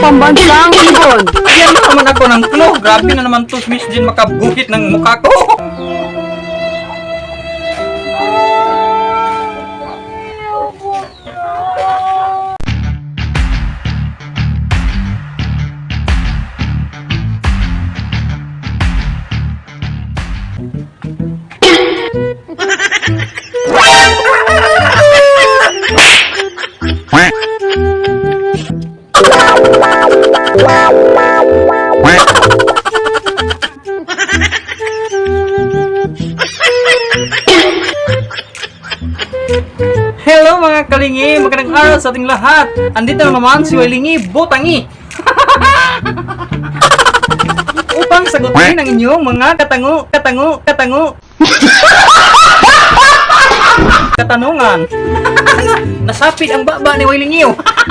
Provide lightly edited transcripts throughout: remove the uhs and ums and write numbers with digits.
pambansang ibon? Yan na naman ako ng clue. Grabe na naman to, Miss Jean, makabuhit ng mukha ko. Hello mga kalingi, magandang araw sa ating lahat. Andito na naman si Wailingi Botangi upang sagutin ang inyong mga katanungan. Nasapit ang baba ni Wailingi.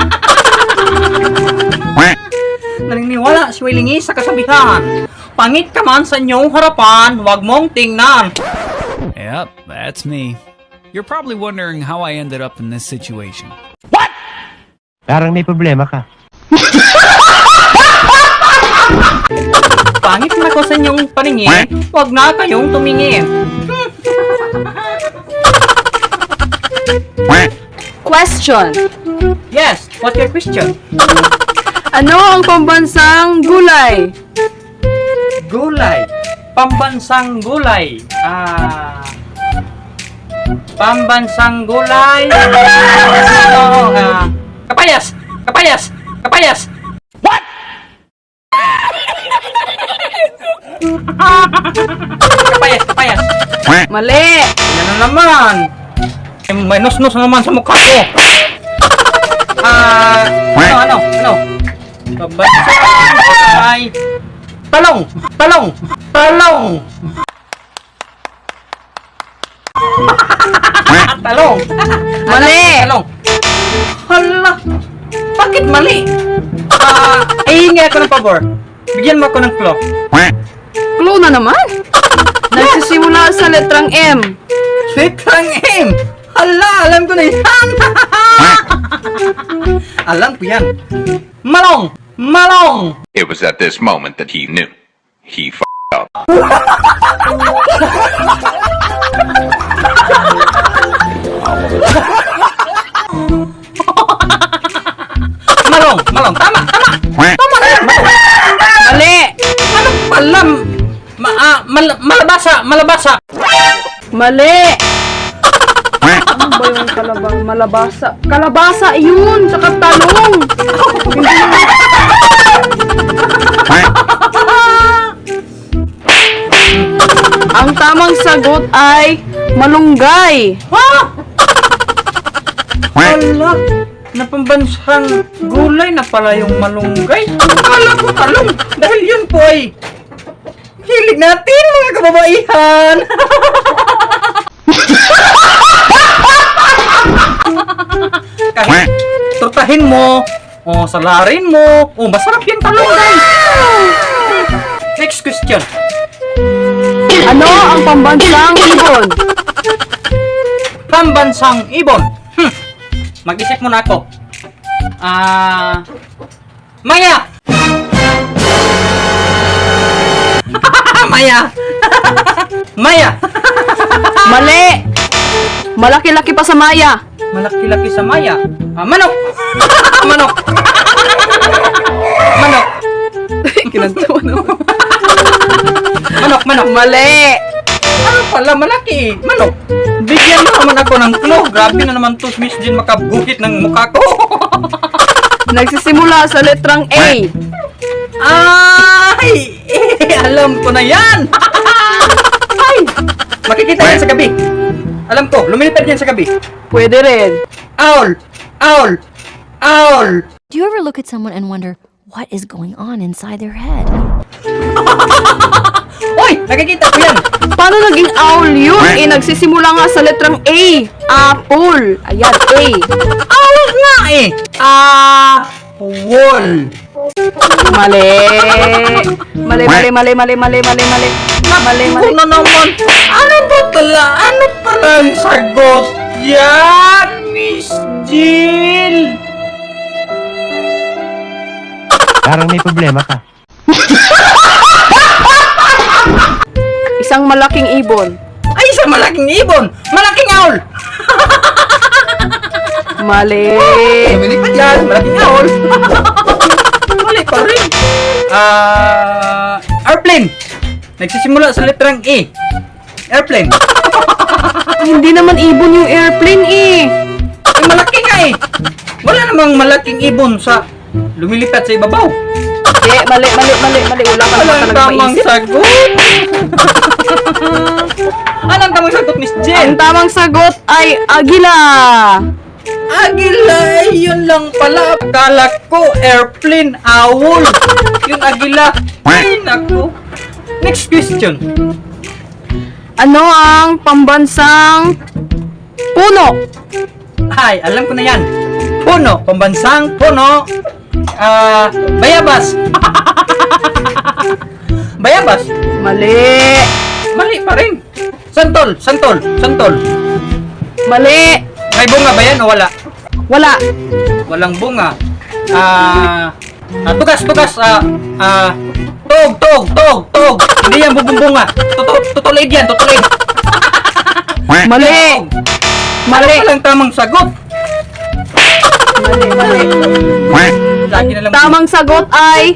Naniniwala si Wailingi sa kasabihan, pangit ka man sa inyong harapan, huwag mong tingnan. Yep, that's me. You're probably wondering how I ended up in this situation. Parang may problema ka. Pangit na ko sa inyong paningin, huwag na kayong tumingin. Question. Yes, what's your question? Ano ang pambansang gulay? Gulay. Pambansang gulay. Pambansang gulay. Kapayas. Kapayas. Kapayas. What? Kapayas. Kapayas. Mali. Yan na naman. May nus-nus naman sa mukha ko. Ano? Pambansang gulay. Talong. Talong. Mali. Talong. Hala. Bakit mali? Ihingi ako ng pabor. Bigyan mo ako ng clue. Clue na naman. Nagsisimula sa letrang M. Letrang M. Hala, alam ko na yan. Alam ko yan. Malong. It was at this moment that he knew. He f***ed up. Malong. Tama na yan. Mali. Ano pala? Malabasa. Mali. Ano ba yung malabasa? Kalabasa yun, saka talong. Ang tamang sagot ay malunggay. Hala, napambansang gulay na pala yung malunggay. Akala ko talong dahil yun po ay hilig natin mga kababaihan. Kahit tortahin mo, o salarin mo, o masarap yung talong guys. Next question. Ano ang pambansang ibon? Pambansang ibon. Mag-isip muna ako. Maya! Maya! Mali! Malaki-laki pa sa maya. Malaki-laki sa maya. Manok! Manok! Kinantuan naman. Manok! Mali! Ano pala, malaki eh. Manok. Bigyan mo naman ako ng clue. Grabe na naman to, Miss Jean, makabuhit ng mukha ko. Nagsisimula sa letrang A. Ay! Alam ko na yan! Ay! Makikita yan sa gabi. Alam ko, lumilipad yan sa gabi. Pwede rin. Owl! Do you ever look at someone and wonder what is going on inside their head? Uy! Nakikita ko yan! Paano naging owl yun? Nagsisimula nga sa letrang A. Apple. Ayan, A. Owl nga eh! Wall! Mali. Mali. Ako na naman! Ano pala ang sagot? Yan, Miss Jill! Parang may problema ka. Isang malaking ibon. Ay, isang malaking ibon! Malaking owl! Mali. Lumilipad yan! Malaking owl! Mali pa rin! Airplane! Nagsisimula sa letrang E. Airplane! Hindi naman ibon yung airplane eh. Ay, malaki nga eh! Wala namang malaking ibon sa lumilipad sa ibabaw. Mali. Wala ka naman Walang talaga tamang maisip. sagot! Anong tamang sagot, Miss Ang Jen? tamang sagot ay agila. Agila! Yun lang pala. Akala ko airplane, owl. Yung agila. Ay, naku. Next question. Ano ang pambansang puno? Ay, alam ko na yan. Puno. Pambansang puno. Bayabas. Bayabas. Mali. Mali pa rin. Santol. Mali. May bunga ba yan o wala? Wala. Walang bunga. Tugas. Tog. Hindi yan bubumbunga. Tutulid yan. Mali. Mali. Walang tamang sagot. Mali. Lagi na lang. Tamang sagot ay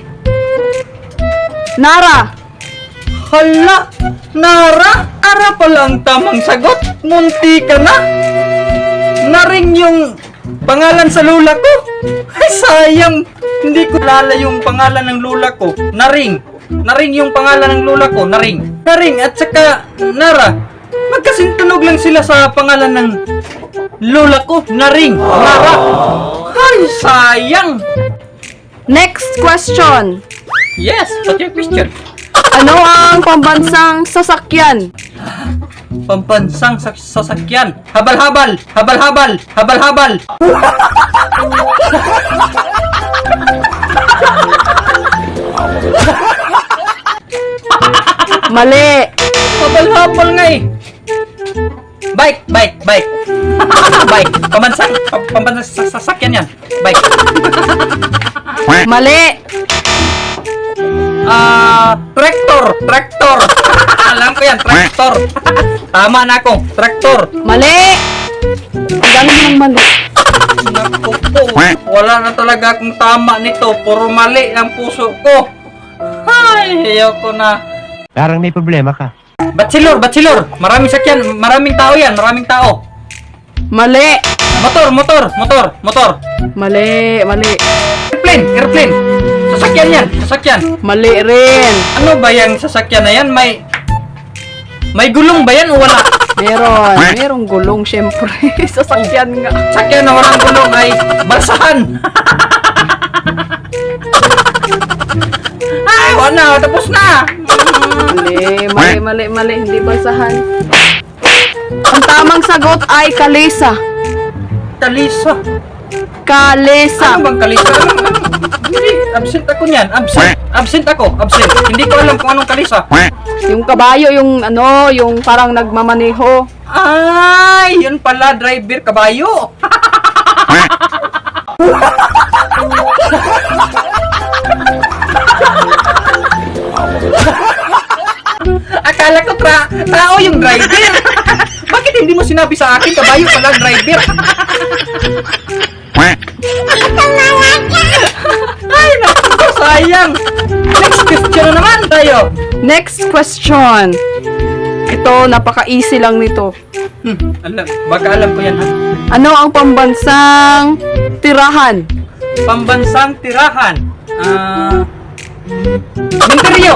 Nara. Hala! Nara! Ara pala ang tamang sagot. Munti ka na. Naring yung pangalan sa lula ko. Ay, sayang. Hindi ko lala yung pangalan ng lula ko. Naring yung pangalan ng lula ko. Naring at saka Nara. Magkasintunog lang sila sa pangalan ng lula ko. Naring. Nara. Ay, sayang. Next question. Yes, what's your question? Ano ang pambansang sasakyan? Pambansang sasakyan. Habal-habal. Mali. Habal-habal nga eh. Bike. Bike. Pambansang sasakyan yan. Bike. Mali. Traktor. Alam ko yan, traktor. Tama na ako, traktor. Mali. Ang dami ng mali. Naku po, wala na talaga akong tama nito. Puro mali ang puso ko. Ay, ayoko na. Parang may problema ka. Bachelor. Maraming sakyan, maraming tao yan, maraming tao. Mali. Motor. Mali. Airplane. Sasakyan yan, sasakyan. Mali rin. Ano ba yung sasakyan na yan? May gulong ba yan o wala? Merong gulong syempre. Sasakyan nga. Sakyan na walang gulong ay balsahan. Ay, wala, tapos na. Mali. Hindi basahan. Ang tamang sagot ay kalesa. Kalisa. Kalesa. Ano bang kalisa? Hindi, absent ako niyan. Absent ako. Hindi ko alam kung anong kalisa. Yung kabayo, yung parang nagmamaneho. Ay, yun pala, driver, kabayo. Akala ko tao yung driver. Bakit hindi mo sinabi sa akin, kabayo pala driver? Ay, naku, sayang. Next question na naman tayo. Next question. Ito, napaka-easy lang nito. Baka alam ko yan ha. Ano ang pambansang tirahan? Pambansang tirahan. Minteryo.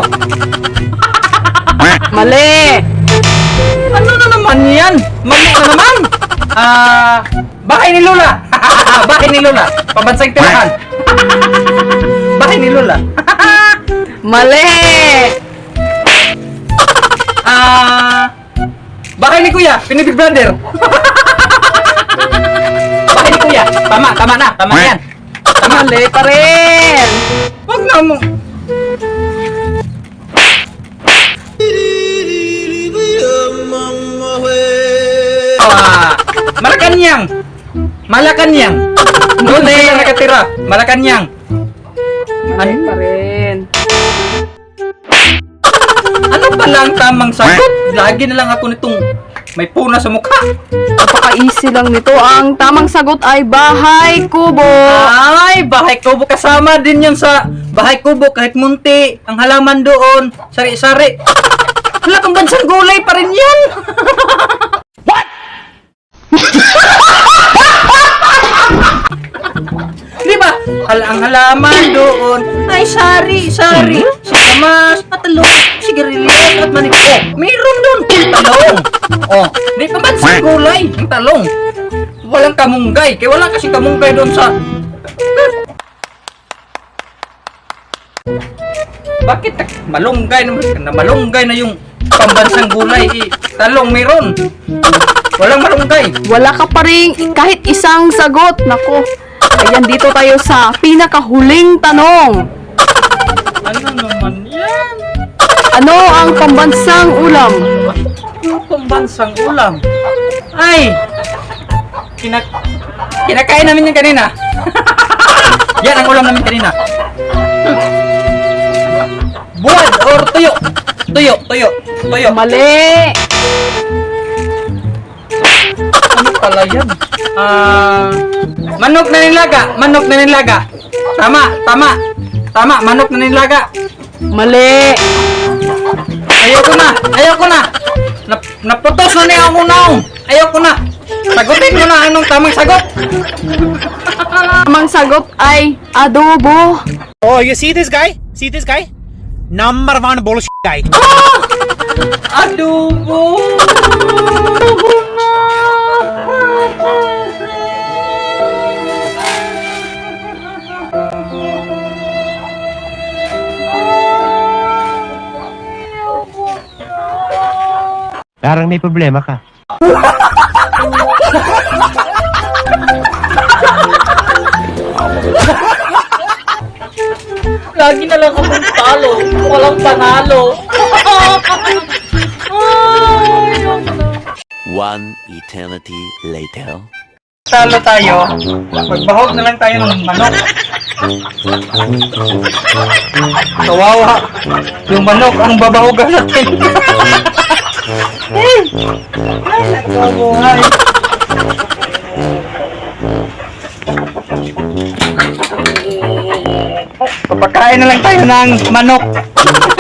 Mali. Ano na naman yan? Mali na naman. Bahay ni Lola. Bahay ni Lola. Pambansang tirahan. Bahay ni Lola. Mali. Bahay ni Kuya. Pinibig Brother. Bahay ni Kuya. Tama na yan. Mali pa rin. Wag na mo. Malacanang. Doon sila nakatira. Malacanang. Mali pa rin. Ano pala ang tamang sagot? Lagi na lang ako nitong may puna sa mukha. Napaka-easy lang nito. Ang tamang sagot ay bahay kubo. Ay, bahay kubo. Kasama din yun sa bahay kubo. Kahit munti, ang halaman doon, sari-sari. Wala kang bansang gulay pa rin yan. Di ba? Ang halaman doon ay sari-sari. Sinamas, patalong, sigarilyas at maniko. Oh, mayroon doon. Talong. Oh, di pa bansang gulay. Ang talong. Walang kamunggay. Kaya wala kasi kamunggay doon sa... Bakit malunggay na malunggay na yung pambansang gulay? Talong mayroon. Walang malunggay. Wala ka pa rin kahit isang sagot. Nako. Ayan, dito tayo sa pinakahuling tanong. Ano naman yan? Ano ang pambansang ulam? Yung pambansang ulam. Ay! Kinakain namin yan kanina. Yan ang ulam namin kanina. Buwad or tuyo. Tuyo. Mali. Ano pala yan? Manok na nilaga. Tama, manok na nilaga. Mali. Ayoko na. Naputos na niya ako naong. Ayoko na. Sagutin mo na anong tamang sagot. Tamang sagot ay adobo. Oh, you see this guy? See this guy? Number one bullshit guy. Adobo. Parang may problema ka. Lagi na lang akong talo. Walang panalo. One eternity later. Talo tayo. Magbahog na lang tayo ng manok. Kawawa. Yung manok ang babahogan natin. Ay, nakabuhay. Papakain na lang tayo ng manok.